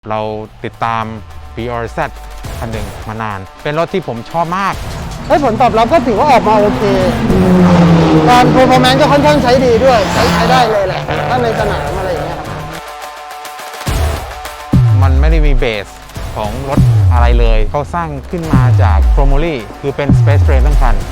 เราติดตาม BRZ คันหนึ่งมานานเป็นรถที่ผมชอบมากผลตอบรับก็ถือว่าออกมาโอเคการเพอร์ฟอร์แมนซ์ก็ค่อนข้างใช้ดีด้วยใช้ได้เลยแหละถ้าในสนามอะไรอย่างเงี้ยครับมันไม่ได้มีเบสของรถอะไรเลยเขาสร้างขึ้นมาจากโครโมลี่คือเป็น Space Frame ทั้งคัน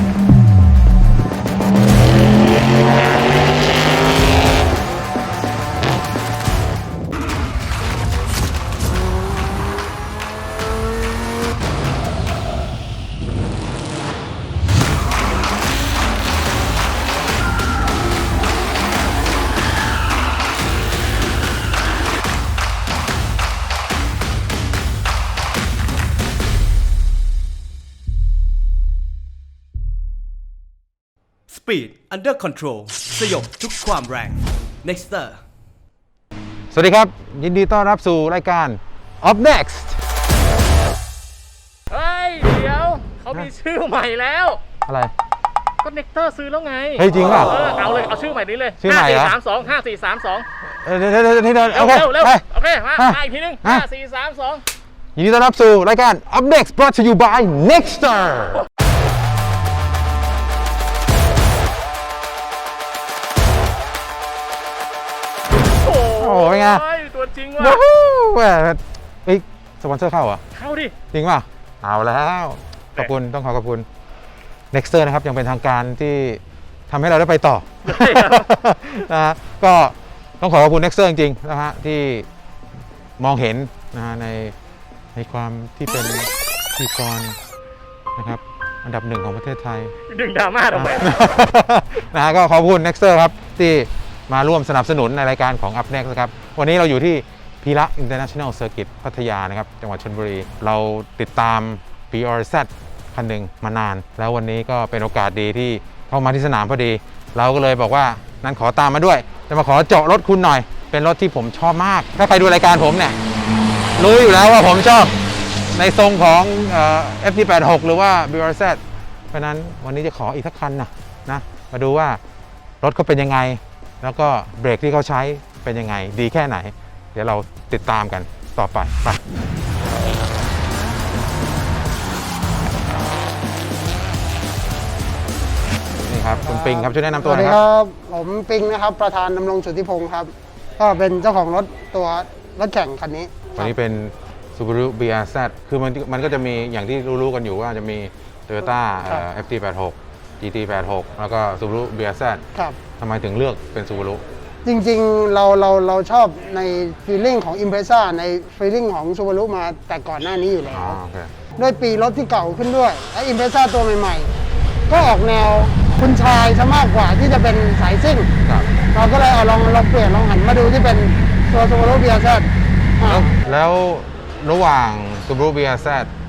Speed Under Control สยบทุกความแรง Nexter สวัสดีครับยินดีต้อนรับสู่รายการ Up Next เฮ้ยเดี๋ยวเขามีชื่อใหม่แล้วอะไรก็เน็กเตอร์ซื้อแล้วไงเฮ้ยจริงป่ะเอาเลยเอาชื่อใหม่นี้เลยชื่อใหม่เหรอ 5432 เดี๋ยวโอเคเร็วโอเคมาอีกทีนึง5432 ยินดีต้อนรับสู่รายการ Up Next brought to you by Nexterโอ้ยไงตัวจริงว่ะเฮ้ยสปอนเซอร์เข้าเหรอเข้าดิจริงป่ะเอาแล้วขอบคุณต้องขอบคุณ Nexter นะครับยังเป็นทางการที่ทำให้เราได้ไปต่อนะฮะก็ต้องขอบคุณ Nexter จริงๆนะฮะที่มองเห็นนะฮะในความที่เป็นพิธีกรนะครับอันดับหนึ่งของประเทศไทยดึงดราม่าทำไมนะฮะก็ขอบคุณ Nexter ครับที่มาร่วมสนับสนุนในรายการของ Up Next นะครับวันนี้เราอยู่ที่พีระ International Circuit พัทยานะครับจังหวัดชลบุรีเราติดตาม BRZ คันหนึ่งมานานแล้ววันนี้ก็เป็นโอกาสดีที่เข้ามาที่สนามพอดีเราก็เลยบอกว่านั้นขอตามมาด้วยจะมาขอเจาะรถคุณหน่อยเป็นรถที่ผมชอบมากถ้าใครดูรายการผมเนี่ยรู้อยู่แล้วว่าผมชอบในทรงของFT86 หรือว่า BRZ เพราะนั้นวันนี้จะขออีกสักคันนะมาดูว่ารถเขาเป็นยังไงแล้วก็เบรกที่เขาใช้เป็นยังไงดีแค่ไหนเดี๋ยวเราติดตามกันต่อไปนี่ครับคุณปิงครับช่วยแนะนำตัวหน่อยครับผมปิงนะครับประธานดำรงสุทธิพงศ์ครับก็เป็นเจ้าของรถรถแข่งคันนี้วันนี้เป็น Subaru BRZ คือมันก็จะมีอย่างที่รู้ๆกันอยู่ว่าจะมี Toyota FT86 GT86 แล้วก็ Subaru BRZ ครับทำไมถึงเลือกเป็น Subaru จริงๆเราชอบในฟีลลิ่งของ Impreza ในฟีลลิ่งของ Subaru มาแต่ก่อนหน้านี้อยู่แล้วด้วยปีรถที่เก่าขึ้นด้วยและ Impreza ตัวใหม่ๆก็ออกแนวคุณชายซะมากกว่าที่จะเป็นสายซิ่งเราก็เลยเอาลองเปลี่ยนลองหันมาดูที่เป็นตัว Subaru BRZ แล้วระหว่าง Subaru BRZ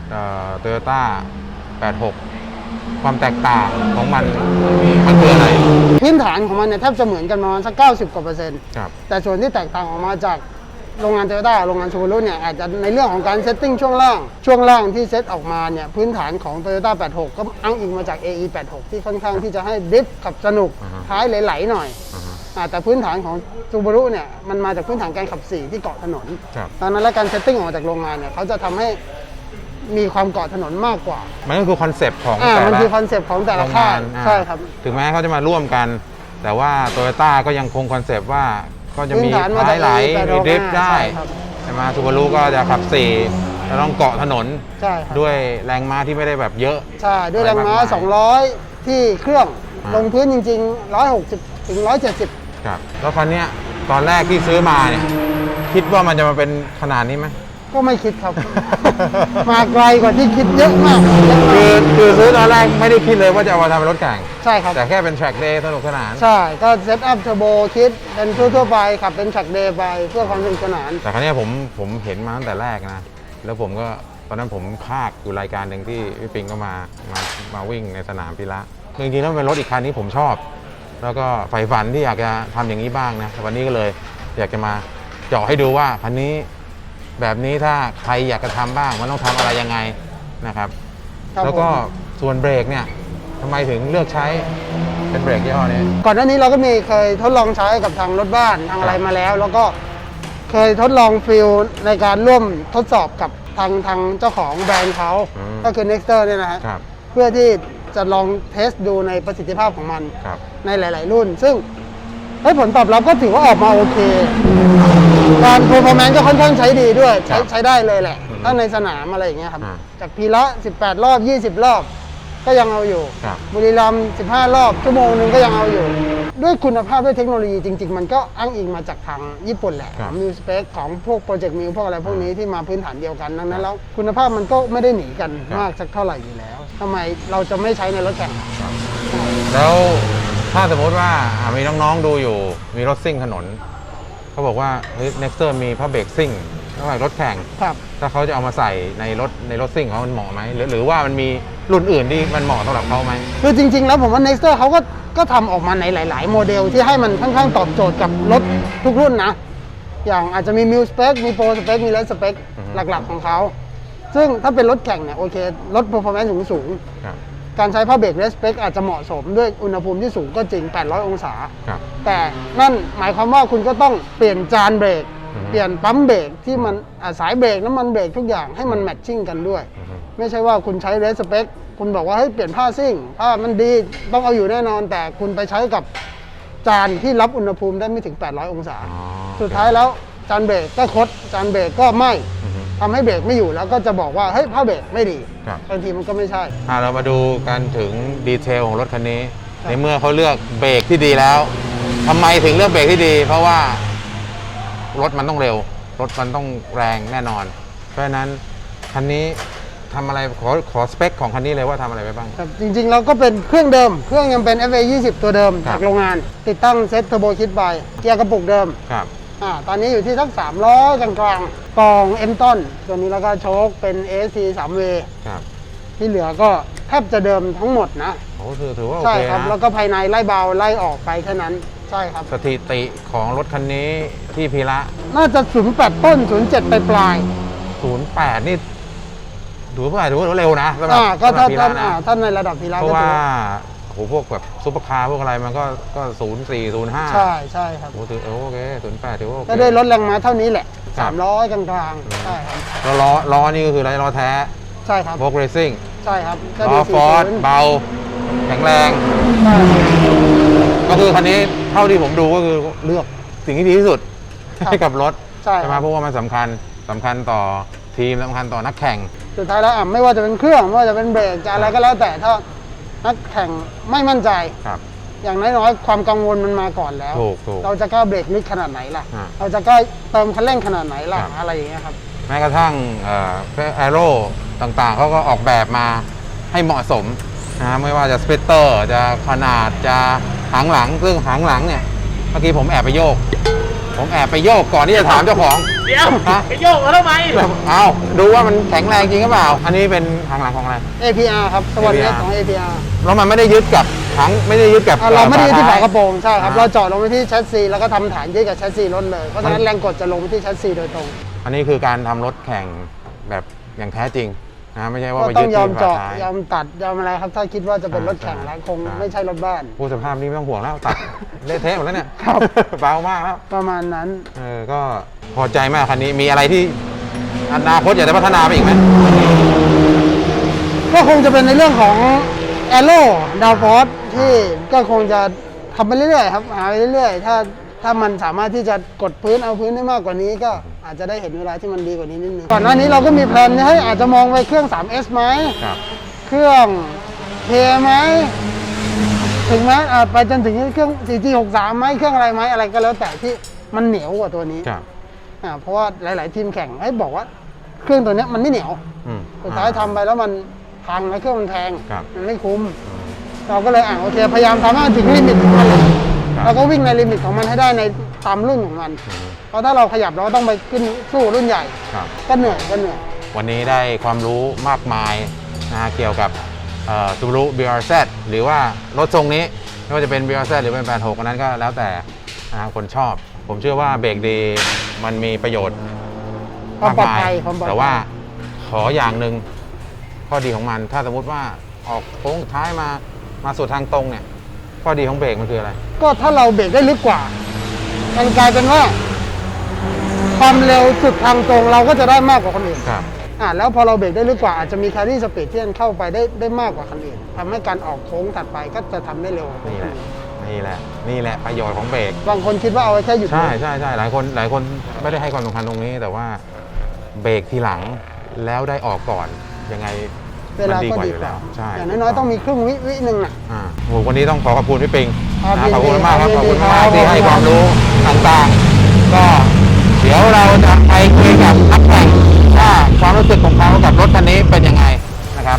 Toyota 86ความแตกต่างของมันคืออะไรพื้นฐานของมันเนี่ยแทบจะเหมือนกันประมาณสัก90%กว่าแต่ส่วนที่แตกต่างออกมาจากโรงงาน Toyota โรงงาน Subaru เนี่ยอาจจะในเรื่องของการเซตติ้งช่วงล่างที่เซตออกมาเนี่ยพื้นฐานของ Toyota 86 ก็อ้างอิงมาจาก AE 86 ที่ค่อนข้างที่จะให้ดริฟต์ขับสนุกท้ายไหลๆหน่อยแต่พื้นฐานของ Subaru เนี่ยมันมาจากพื้นฐานการขับ4ที่เกาะถนนตอนนั้นและการเซตติ้งออกมาจากโรงงานเนี่ยเขาจะทำให้มีความเกาะถนนมากกว่ามันก็คือคอนเซปต์ของแต่ละมันคือคอนเซปต์ของแต่ละค่ายใช่ครับถึงแม้เขาจะมาร่วมกันแต่ว่า Toyota ก็ยังคงคอนเซปต์ว่าก็จะมีท้ายไหลมีดริฟต์ได้ใช่ไหม Subaru ก็จะขับ4แล้วต้องเกาะถนนด้วยแรงม้าที่ไม่ได้แบบเยอะใช่ด้วยแรงม้า200ที่เครื่องลงพื้นจริงๆ160ถึง170 ครับแล้วคันนี้ตอนแรกที่ซื้อมาเนี่ยคิดว่ามันจะมาเป็นขนาดนี้ไหมก็ไม่คิดครับ มาไกลกว่าที่คิดเยอะมากคือซื้อตอนแรกไม่ได้คิดเลยว่าจะเอามาทำเป็นรถแข่งใช่ครับแต่แค่เป็น track day สนุกสนานใช่ก็เซตอัพเทอร์โบคิดเป็นทั่วไปขับเป็น track day ไปเพื่อความสนุกสนานแต่ครั้งนี้ผมเห็นมาตั้งแต่แรกนะแล้วผมก็ตอนนั้นผมภาคอยู่รายการหนึ่งที่พี่ปิงก็มาวิ่งในสนามพีระจริงๆแล้วเป็นรถอีกคันที่ผมชอบแล้วก็ใฝ่ฝันที่อยากจะทำอย่างนี้บ้างนะวันนี้ก็เลยอยากจะมาเจาะให้ดูว่าคันนี้แบบนี้ถ้าใครอยากจะทำบ้างมันต้องทำอะไรยังไงนะครับแล้วก็ส่วนเบรกเนี่ยทำไมถึงเลือกใช้เป็นเบรกยี่ห้อนี้ก่อนหน้านี้เราก็เคยทดลองใช้กับทางรถบ้านทางอะไรมาแล้วก็เคยทดลองฟิลในการร่วมทดสอบกับทางเจ้าของแบรนด์เขาก็คือ Nexter เนี่ยนะฮะครับเพื่อที่จะลองเทสดูในประสิทธิภาพของมันครับในหลาย ๆ รุ่น ซึ่งผลตอบรับก็ถือว่าออกมาโอเค การ performance ก็ค่อนข้างใช้ดีด้วย ใช้ได้เลยแหละถ้าในสนามอะไรอย่างเงี้ยครับ จากพีละ18 รอบ 20 รอบ ก็ยังเอาอยู่ครับบุรีรัมย์15 รอบชั่วโมงนึงก็ยังเอาอยู่ ด้วยคุณภาพด้วยเทคโนโลยีจริง ๆ มันก็อ้างอิงมาจากทางญี่ปุ่นแหละครับมิวสเปคของพวกโปรเจกต์มิวพวกอะไรพวกนี้ที่มาพื้นฐานเดียวกันดังนั้นแล้วคุณภาพมันก็ไม่ได้หนีกันครับมากสักเท่าไหร่อยู่แล้วทำไมเราจะไม่ใช้ในรถแข่งแล้วถ้าสมมติว่ามีน้องๆดูอยู่มีรถซิ่งถนนเขาบอกว่าเฮ้ย Nexter มีผ้าเบรกซิ่งแล้วรถแข่งครับถ้าเขาจะเอามาใส่ในรถซิ่งของเขามันเหมาะไหมหรือว่ามันมีรุ่นอื่นที่มันเหมาะสำหรับเขาไหมคือจริง ๆ แล้วผมว่า Nexter เขาก็ทำออกมาในหลาย ๆ โมเดลที่ให้มันค่อนข้างตอบโจทย์กับรถทุกรุ่นนะ อย่างอาจจะมี Mil Spec มี Pro Spec มี Red Spec หลัก ๆ ของเขา ซึ่งถ้าเป็นรถแข่งเนี่ยโอเครถ performance สูงครับๆการใช้ผ้าเบรก Red Spec อาจจะเหมาะสมด้วยอุณหภูมิที่สูงก็จริง 800 องศาครับแต่นั่นหมายความว่าคุณก็ต้องเปลี่ยนจานเบรกอือฮึเปลี่ยนปั๊มเบรกที่มันสายเบรกน้ำมันเบรกทุกอย่างให้มันแมทชิ่งกันด้วย ไม่ใช่ว่าคุณใช้ Red Spec คุณบอกว่าเฮ้ยเปลี่ยนผ้าซิ่งผ้ามันดีต้องเอาอยู่แน่นอน แต่คุณไปใช้กับจานที่รับอุณหภูมิได้ไม่ถึง 800 องศาอ๋อสุดท้ายแล้วจานเบรกก็คดจานเบรกก็ไหม้อือฮึทำให้เบรกไม่อยู่แล้วก็จะบอกว่าเฮ้ยผ้าเบรกไม่ดีครับบางทีมันก็ไม่ใช่เรามาดูกันถึงดีเทลของรถคันนี้ครับในเมื่อเขาเลือกเบรกที่ดีแล้วทำไมถึงเลือกเบรกที่ดี เพราะว่า รถมันต้องเร็ว รถมันต้องแรงแน่นอน เพราะฉะนั้นคันนี้ทำอะไรขอสเปคของคันนี้เลยว่าทำอะไรไปบ้างครับจริงๆเราก็เป็นเครื่องเดิม เครื่องยังเป็น FA 20 ตัวเดิมครับจากโรงงาน ติดตั้งเซ็ตเทอร์โบคิดบายเกียร์กระปุกเดิมครับตอนนี้อยู่ที่สัก300กลางๆกล่องเอ็มต้นตัวนี้แล้วก็โชคเป็น ASC 3W ครับที่เหลือก็แทบจะเดิมทั้งหมดนะโอ้ถือว่าโอใช่เคครับ แล้วนะก็ภายในไล่เบาไล่ออกไปแค่นั้น ใช่ครับสถิติของรถคันนี้ที่พีระน่าจะ08ต้น07ปลาย 08 นี่ถือว่าเร็วนะสำหรับก็สำหรัถ้าบพีระนะถ้าในระดับพีระเพก็ราะว่าถือโหพวกแบบซุปเปอร์คาร์พวกอะไรมันก็04 05 ใช่ใช่ครับโอ้ถือโอเค08ถือว่าโอเคก็ด้วยรถแรงม้าเท่านี้แหละครับ 300กลางๆใช่ครับแล้วล้อนี่ก็คือล้อแท้ใช่ครับโบกเรซิ่งใช่ครับล้อฟอร์ดเบา แข็งแรงใช่ก็คือคันนี้เท่าที่ผมดูก็คือเลือกสิ่งที่ดีที่สุดให้กับรถใช่ไหมเพราะว่ามันสำคัญต่อทีมสำคัญต่อนักแข่งสุดท้ายแล้วไม่ว่าจะเป็นเครื่องไม่ว่าจะเป็นเบรกจะอะไรก็แล้วแต่ถ้านักแข่งไม่มั่นใจครับอย่างน้อยๆความกังวลมันมาก่อนแล้วถูกเราจะกล้าเบรกลึกขนาดไหนล่ะอ่าเราจะกล้าเติมคันเร่งขนาดไหนล่ะครับอะไรอย่างเงี้ยครับแม้กระทั่งแอโร่ต่างๆเขาก็ออกแบบมาให้เหมาะสมนะไม่ว่าจะสเปเตอร์จะขนาดจะหางหลังซึ่งหางหลังเนี่ยเมื่อกี้ผมแอบไปโยกก่อนที่จะถามเจ้าของเดี๋ยวฮะไปโยกเขาทำไมเอาดูว่ามันแข็งแรงจริงหรือเปล่า อันนี้เป็นหางหลังของอะไร APR ครับสวัสดี APR ของ APR แล้วมันไม่ได้ยึดกับหางไม่ได้ยึดกับเราไม่ได้ยึดที่ฝาท้ยกระโปรงใช่ครับอ่าเราเจาะลงไปที่แชสซีแล้วก็ทำฐานยึดกับแชสซีรถเลยเพราะฉะนั้นแรงกดจะลงไปที่แชสซีโดยตรงอันนี้คือการทำรถแข่งแบบอย่างแท้จริงนะไม่ใช่ว่าก็ไปต้ยึอดงยอมที่ฝาเจาะท้ายยอมตัดยอมอะไรครับถ้าคิดว่าจะเป็นรถแข่งใช่แล้วคงใช่ไม่ใช่รถบ้านผู้สภาพนี้ไม่ต้องห่วงแล้วตัด เละเทะหมดแล้วเนี่ยครับเบามากแล้วประมาณนั้นก็พอใจมากคันนี้มีอะไรที่อนาคตอยากจะพัฒนาไปอีกไหมก็คงจะเป็นในเรื่องของแอโร่ดาวฟอร์ที่ก็คงจะทำไปเรื่อยๆครับหาไปเรื่อยๆถ้ามันสามารถที่จะกดพื้นเอาพื้นได้มากกว่านี้ก็อาจจะได้เห็นเวลาที่มันดีกว่านี้นิดนึงก่อนหน้านี้เราก็มีแพลนให้อาจจะมองไปเครื่อง 3S ไหมครับเครื่อง K ไหมถึงแม้อาจไปจนถึงเครื่อง 4G63 ไหมเครื่องอะไรไหมอะไรก็แล้วแต่ที่มันเหนียวกว่าตัวนี้ครับเพราะว่าหลาย ๆ ทีมแข่งให้บอกว่าเครื่องตัวเนี้ยมันไม่เหนียวอืมสุดท้ายทำไปแล้วมันพังแล้วเครื่องมันแพงครับมันไม่คุ้ม เราก็เลยโอเคพยายามทำให้มันถึงลิมิตของมันเลยครับเราก็วิ่งในลิมิตของมันให้ได้ในตามรุ่นของมัน เพราะถ้าเราขยับเราก็ต้องไปขึ้นสู้รุ่นใหญ่ครับก็เหนื่อยวันนี้ได้ความรู้มากมายเกี่ยวกับSubaru BRZ หรือว่ารถทรงนี้ไม่ว่าจะเป็น BRZ หรือเป็น86อันนั้นก็แล้วแต่คนชอบ ผมเชื่อว่าเบรกดีมันมีประโยชน์ความมากปลอดมายภัยความปลอดภัยแต่ว่าขออย่างหนึ่งข้อดีของมัน ถ้าสมมติว่าออกโค้งท้ายมาสู่ทางตรงเนี่ยข้อดีของเบรกมันคืออะไรก็ถ้าเราเบรกได้ลึกกว่ามันกลายเป็นว่าความเร็วสุดทางตรงเราก็จะได้มากกว่าคนอื่นครับแล้วพอเราเบรกได้ลึกกว่าอาจจะมีแครี่สปีดที่มันเข้าไปได้มากกว่าคนอื่นทำให้การออกโค้งถัดไปก็จะทำได้เร็วกว่าคนนี่แหอื่ละนนี่แหละนี่แหละประโยชน์ของเบรกบางคนคิดว่าเอาไว้แค่หยุดใช่ใช่ใช่หลายคนไม่ได้ให้ความสำคัญตรงนี้ แต่ว่าเบรกทีหลังแล้วได้ออกก่อนยังไงเวลามันดีก็กว่าดีอยู่กแล้ว่าวใช่อย่างน้อยๆต้องมีครึ่งวิหนึ่งอ่ะโอ้โหวันนี้ต้องขอบคุณพี่ปิงครับนะขอบคุณมากครับยิขนอบดีคุณครับมากที่ให้ขอบคุณความรู้ต่างๆ ก็เดี๋ยวเราจะไปคุยกับนักแข่งว่าความรู้สึกของเขากับรถคันนี้เป็นยังไงนะครับ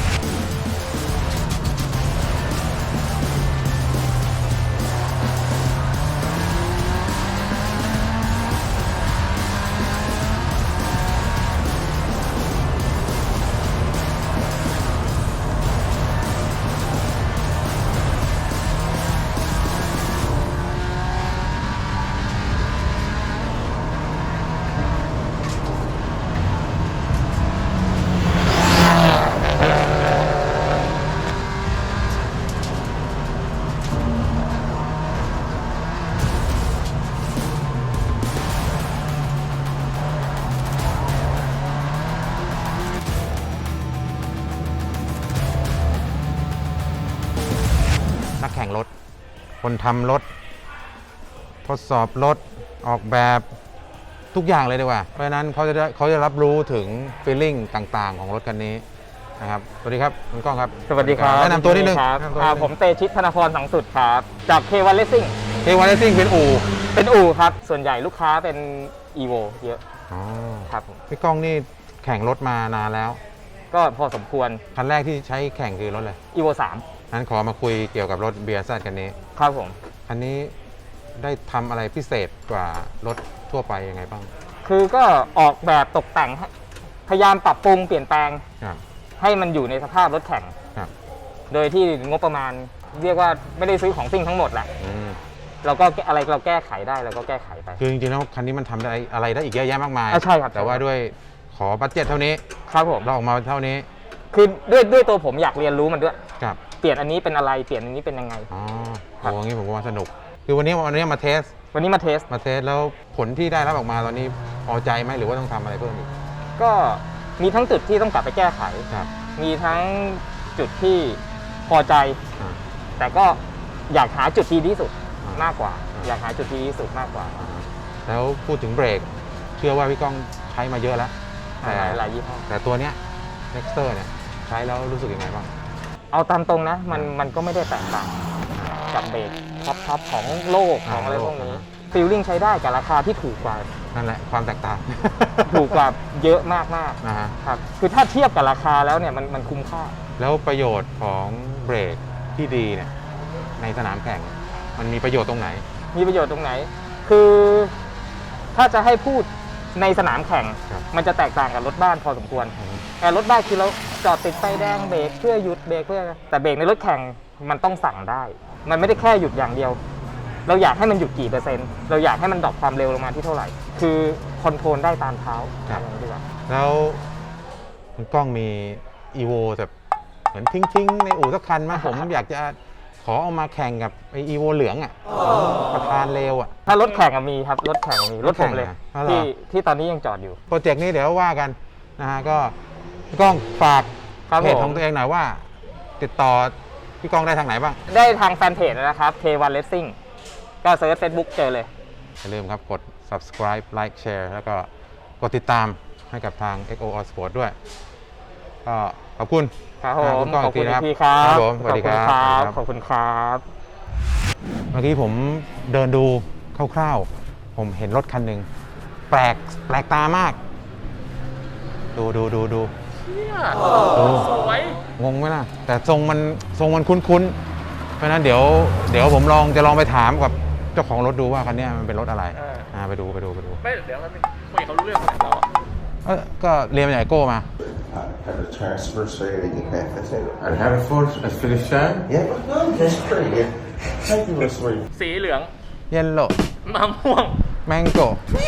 นักแข่งรถ คนทำรถ ทดสอบรถ ออกแบบทุกอย่างเลยดีกว่า เพราะฉะนั้นเขาจะรับรู้ถึง feeling ต่างๆ ของรถคันนี้นะครับ สวัสดีครับคุณก้องครับสวัสดีครับแนะนำตัวนิดนึงครับแนะนำตัวนิดนึงผมเตชิตธนพรสังสุดครับ จาก K1 Racing เทวาเลสซิ่งเป็นอู่เป็นอู่ครับ ส่วนใหญ่ลูกค้าเป็น Evo เยอะอ๋อครับผมพี่ก้องนี่แข่งรถมานานแล้วก็พอสมควรคันแรกที่ใช้แข่งคือรถอะไร Evo นั้นขอมาคุยเกี่ยวกับรถ BRZ คันนี้ 3 ครับผมคันนี้ได้ทำอะไรพิเศษกว่ารถทั่วไปยังไงบ้างคือก็ออกแบบตกแต่งให้พยายามปรับปรุงเปลี่ยนแปลงครับให้มันอยู่ในสภาพรถแข่งครับโดยที่งบประมาณเรียกว่าไม่ได้ซื้อของซิ่งทั้งหมดแหละอืมเราก็อะไรเราแก้ไขได้เราก็แก้ไขไปคือจริงๆแล้วคันนี้มันทำได้อะไรได้อีกเยอะแยะมากมายใช่ครับแต่ว่าด้วยขอบัตเจ็ตเท่านี้ครับผมเราออกมาเท่านี้คือด้วยตัวผมอยากเรียนรู้มันด้วยครับเปลี่ยนอันนี้เป็นอะไรเปลี่ยนอันนี้เป็นยังไงอ๋อครับโอ้งี้ผมว่าสนุก คือวันนี้มาเทสวันนี้มาเทสแล้วผลที่ได้รับออกมาตอนนี้พอใจไหมหรือว่าต้องทำอะไรเพิ่มอีกก็มีทั้งจุดที่ต้องกลับไปแก้ไขครับมีทั้งจุดที่พอใจอ่าแต่ก็อยากหาจุดที่ดีที่สุดอ่ามมากกว่าอ่าอยากหาจุดที่ดีที่สุดมากกว่าอ่าแล้วพูดถึงเบรก เชื่อว่าพี่ก้องใช้มาเยอะแล้ว แต่หลายยี่ห้อแต่ตัวเนี้ย Nexter เนี่ยใช้แล้วรู้สึกยังไงบ้างเอาตามตรงนะ มันก็ไม่ได้แตกต่างกับเบรกท็อปของโลกของอะไรพวกนี้ฟีลลิ่งใช้ได้กับราคาที่ถูกกว่านั่นแหละความแตกต่างถูกกว่าเยอะมากนะฮะๆครับคือถ้าเทียบกับราคาแล้วเนี่ยมันคุ้มค่าแล้วประโยชน์ของเบรกที่ดีเนี่ยในสนามแข่งมันมีประโยชน์ตรงไหนมีประโยชน์ตรงไหน คือถ้าจะให้พูดในสนามแข่งครับมันจะแตกต่างกับรถบ้านพอสมควร แต่รถบ้านคือเราจอดติดไฟแดงเบรกเพื่อหยุดเบรกเพื่อแต่เบรกในรถแข่งมันต้องสั่งได้ มันไม่ได้แค่หยุดอย่างเดียว เราอยากให้มันหยุดกี่เปอร์เซ็นต์เราอยากให้มันดรอปความเร็วลงมาที่เท่าไหร่ คือคอนโทรลได้ตามเท้าครับอย่างนี้ดีกว่าแล้วคุณก้องมี EVO แบบเหมือนทิ้งๆในอู่สักคันไหม ผมอยากจะขอเอามาแข่งกับไอ EVO เหลืองอ่ะประธานเร็วอ่ะถ้ารถแข่งอะมีครับรถแข่งมีรถผมเลยรถแข่งอะอ๋อเหรอที่ตอนนี้ยังจอดอยู่โปรเจกต์นี้เดี๋ยวว่ากันนะฮะก็พี่ก้องฝากครับเพจผมของตัวเองหน่อยว่า ติดต่อพี่ก้องได้ทางไหนบ้างได้ทางแฟนเพจนะครับ K1 Racing ก็เซิร์ช Facebook เจอเลยอย่าลืมครับกด subscribe like share แล้วก็กดติดตามให้กับทาง XO All Sport ด้วย ก็ขอบคุณครับผมคุณก้องขอบคุณอีกทีนะครับพี่ครับผมสวัสดีครับขอบคุณครับเมื่อกี้ผมเดินดูคร่าวๆ ผมเห็นรถคันหนึ่งแปลกตามาก ดูดูเนี่ยดูสวยงงไหมล่ะ แต่ทรงมันคุ้นๆ เพราะฉะนั้นเดี๋ยวผมจะลองไปถามกับเจ้าของรถดูว่าคันเนี้ยมันเป็นรถอะไรไปดูไม่เดี๋ยวแป๊บนึงคุยเขารู้เรื่องขนาดเราอะก็เรียนมาจากไอโก้มา Have a transfer so you get back. That's it. I have it for a Phillips shine. Yeah, but no, that's pretty. Yeah. Thank you, Miss Lee. สีเหลืองเยลโล่มะม่วงแมงโก้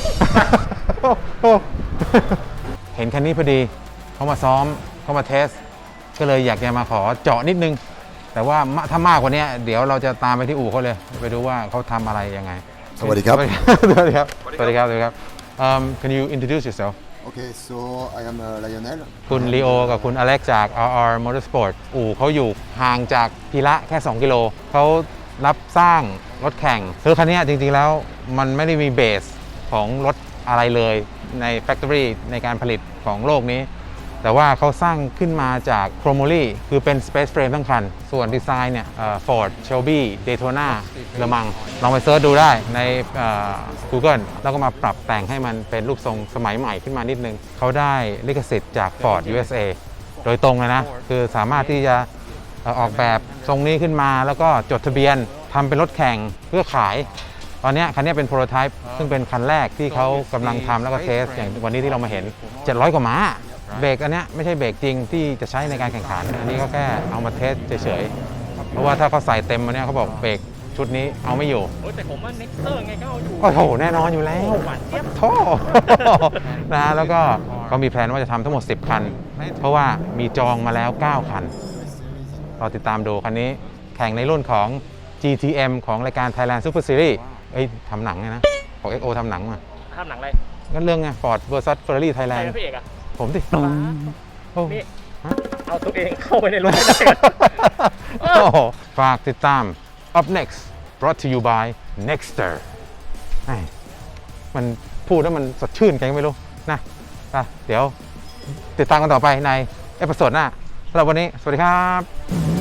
เห็นคันนี้พอดี เขามาซ้อมเขามาเทส ก็เลยอยากจะมาขอเจาะนิดนึง แต่ว่าถ้ามากกว่านี้เดี๋ยวเราจะตามไปที่อู่เขาเลย ไปดูว่าเขาทำอะไรยังไงสวัสดีครับสวัสดีครับ สวัสดีครับ Can you introduce yourself Okay, so I am Lionel. คุณลีโอกับคุณอเล็กจาก RR Motorsport อู่เขาอยู่ห่างจากพีระแค่ 2 กิโลเขารับสร้างรถแข่งคือคันนี้จริงๆแล้วมันไม่ได้มีเบสของรถอะไรเลยใน Factory ในการผลิตของโลกนี้ แต่ว่าเขาสร้างขึ้นมาจากโครโมลีคือเป็น Space Frame ทั้งคัน ส่วนดีไซน์เนี่ยFord Shelby Daytona Le Mans ลองไปเซิร์ชดูได้ในGoogle แล้วก็มาปรับแต่งให้มันเป็นรูปทรงสมัยใหม่ขึ้นมานิดนึง เขาได้ลิขสิทธิ์จาก Ford USA โดยตรงเลยนะ คือสามารถที่จะออกแบบทรงนี้ขึ้นมาแล้วก็จดทะเบียนทำเป็นรถแข่งเพื่อขาย ตอนนี้คันนี้เป็นโปรโตไทป์ซึ่งเป็นคันแรกที่เขากำลังทำแล้วก็เทสอย่างวันนี้ที่เรามาเห็น 700 กว่าม้า เบรกอันเนี้ยไม่ใช่เบรกจริงที่จะใช้ในการแข่งขัน อันนี้ก็แค่เอามาเทสเฉยๆ เพราะว่าถ้าเขาใส่เต็มมาเนี้ยเขาบอกเบรกชุดนี้เอาไม่อยู่โอ้ยแต่ผมว่า Nexter ไงก็เอาอยู่โอ้โหแน่นอนอยู่แล้วหวานเจี๊ยบโท่ นะแล้วก็เขามีแผนว่าจะทำทั้งหมด 10 คัน เพราะว่ามีจองมาแล้ว 9 คันเราติดตามดูคันนี้แข่งในรุ่นของ GTM ของรายการ Thailand Super Series เอ้ยทำหนังไงนะของ XO ทำหนังมาทำหนังอะไรก็เรื่องไง Ford vs Ferrari ใคร Thailand เป็นพระเอกอะผมสิโอ้นี่ฮะเอาตัวเองเข้าไปในรถไม่ได้โอ้โหฝากติดตาม Up Next brought to you by Nexter ไอ้มันพูดแล้วมันสดชื่นกันไม่รู้นะอ่ะเดี๋ยวติดตามกันต่อไปในเอพิโซดหน้าสำหรับวันนี้ สวัสดีครับ